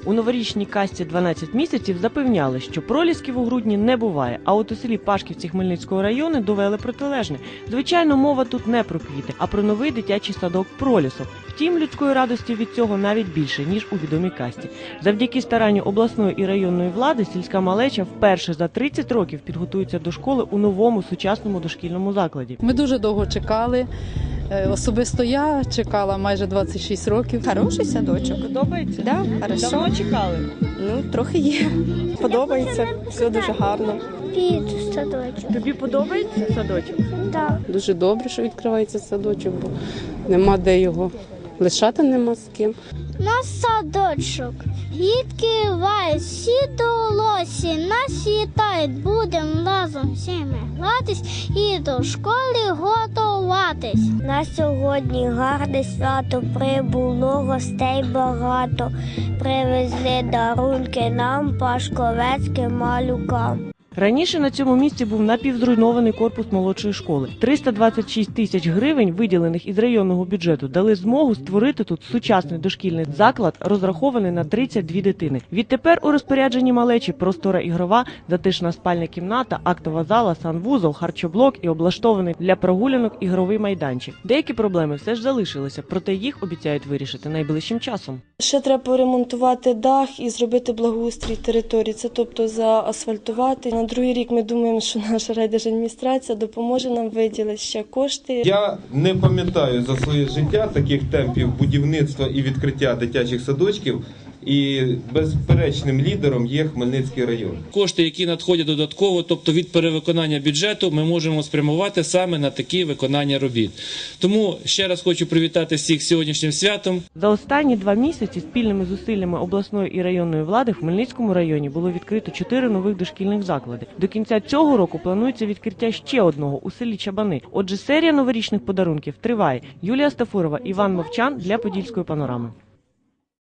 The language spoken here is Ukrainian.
У новорічній касті «12 місяців» запевняли, що пролісків у грудні не буває, а от у селі Пашківці Хмельницького району довели протилежне. Звичайно, мова тут не про квіти, а про новий дитячий садок «Пролісок». Втім, людської радості від цього навіть більше, ніж у відомій касті. Завдяки старанню обласної і районної влади сільська малеча вперше за 30 років підготується до школи у новому сучасному дошкільному закладі. Ми дуже довго чекали. Особисто я чекала майже 26 років. Хороший садочок. Подобається? Да, хорошо. Давно чекали? Ну, трохи є. Подобається, все дуже гарно. Під садочок. Тобі подобається садочок? Так. Дуже добре, що відкривається садочок, бо нема де його лишати, нема з ким. На садочок. Дітки лають, всі долосі, нас вітають, будем разом всіми гратись і до школи готуватись. На сьогодні гарне свято прибуло, гостей багато. Привезли дарунки нам, пашковецьким малюкам. Раніше на цьому місці був напівзруйнований корпус молодшої школи. 326 тисяч гривень, виділених із районного бюджету, дали змогу створити тут сучасний дошкільний заклад, розрахований на 32 дитини. Відтепер у розпорядженні малечі простора ігрова, затишна спальня кімната, актова зала, санвузол, харчоблок і облаштований для прогулянок ігровий майданчик. Деякі проблеми все ж залишилися, проте їх обіцяють вирішити найближчим часом. Ще треба поремонтувати дах і зробити благоустрій території, це тобто заасфальтувати. На другий рік ми думаємо, що наша райдержадміністрація допоможе нам виділити ще кошти. Я не пам'ятаю за своє життя таких темпів будівництва і відкриття дитячих садочків. І безперечним лідером є Хмельницький район. Кошти, які надходять додатково, тобто від перевиконання бюджету, ми можемо спрямувати саме на такі виконання робіт. Тому ще раз хочу привітати всіх з сьогоднішнім святом. За останні 2 місяці спільними зусиллями обласної і районної влади в Хмельницькому районі було відкрито 4 нових дошкільних заклади. До кінця цього року планується відкриття ще одного у селі Чабани. Отже, серія новорічних подарунків триває. Юлія Стафурова, Іван Мовчан для Подільської панорами.